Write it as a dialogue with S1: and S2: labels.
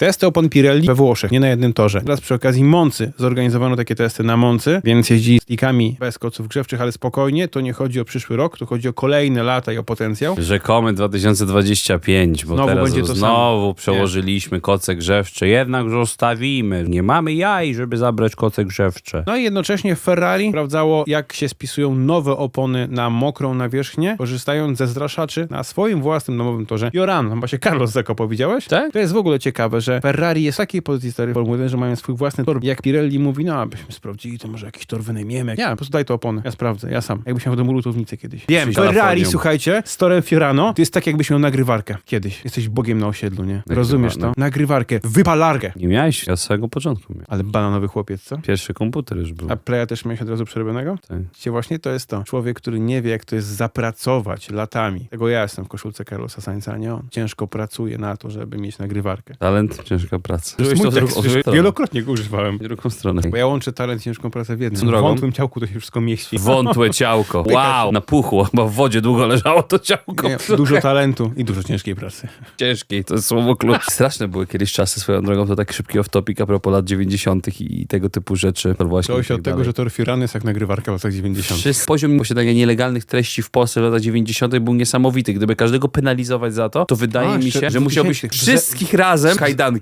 S1: Testy opon Pirelli we Włoszech, nie na jednym torze. Teraz przy okazji Moncy zorganizowano takie testy na Moncy, więc jeździ stickami bez koców grzewczych, ale spokojnie, to nie chodzi o przyszły rok, to chodzi o kolejne lata i o potencjał.
S2: Rzekomy 2025, bo
S1: Znowu
S2: teraz
S1: będzie to
S2: znowu
S1: samo.
S2: przełożyliśmy koce grzewcze, jednak zostawimy. Nie mamy jaj, żeby zabrać koce grzewcze.
S1: No i jednocześnie Ferrari sprawdzało, jak się spisują nowe opony na mokrą nawierzchnię, korzystając ze zraszaczy na swoim własnym domowym torze. Joran, chyba się Carlos zakopał, widziałeś?
S2: Tak?
S1: To jest w ogóle ciekawe, że Ferrari jest w takiej pozycji stary Formuły 1, że mają swój własny tor. Jak Pirelli mówi, no abyśmy sprawdzili, to może jakiś tor wynajmiemy. Nie, po prostu daj to opony. Ja sprawdzę, ja sam. Jakbyś miał w domu lutownicę kiedyś. Wiem,
S2: Z
S1: Ferrari,
S2: Kalifornią.
S1: słuchajcie, z torem Fiorano, to jest tak jakbyś miał nagrywarkę. Kiedyś. Jesteś bogiem na osiedlu, nie? Rozumiesz to?
S2: no.
S1: Nagrywarkę, wypalarkę.
S2: Nie miałeś? Ja z samego początku miałem.
S1: Ale bananowy chłopiec, co?
S2: Pierwszy komputer już był.
S1: A Playa też miałeś od razu przerobionego?
S2: Tak.
S1: Wiecie, właśnie to jest to. Człowiek, który nie wie, jak to jest zapracować latami. Tego ja jestem w koszulce Carlosa Sainza, a nie on. Ciężko pracuje na to, żeby mieć nagrywarkę.
S2: Talent, ciężka praca.
S1: To jest mój tekst, wielokrotnie go używałem.
S2: W drugą stronę.
S1: Bo ja łączę talent i ciężką pracę w jednym.
S2: Co
S1: W
S2: drogą?
S1: wątłym ciałku to się wszystko mieści.
S2: Wątłe ciałko. Wow, napuchło. Chyba w wodzie długo leżało to ciałko.
S1: Nie, dużo talentu i dużo ciężkiej pracy.
S2: Ciężkiej, to jest słowo klucz. Straszne były kiedyś czasy swoją drogą, to tak szybki off-topic a propos lat 90. i tego typu rzeczy. Właśnie
S1: To się od tego, że tor Fiorano jest jak nagrywarka w latach 90.
S2: Poziom posiadania nielegalnych treści w Polsce w latach 90. był niesamowity. Gdyby każdego penalizować za to, to wydaje mi
S1: jeszcze
S2: się,
S1: w
S2: że musiałbyś
S1: 2000.
S2: wszystkich razem w kajdanki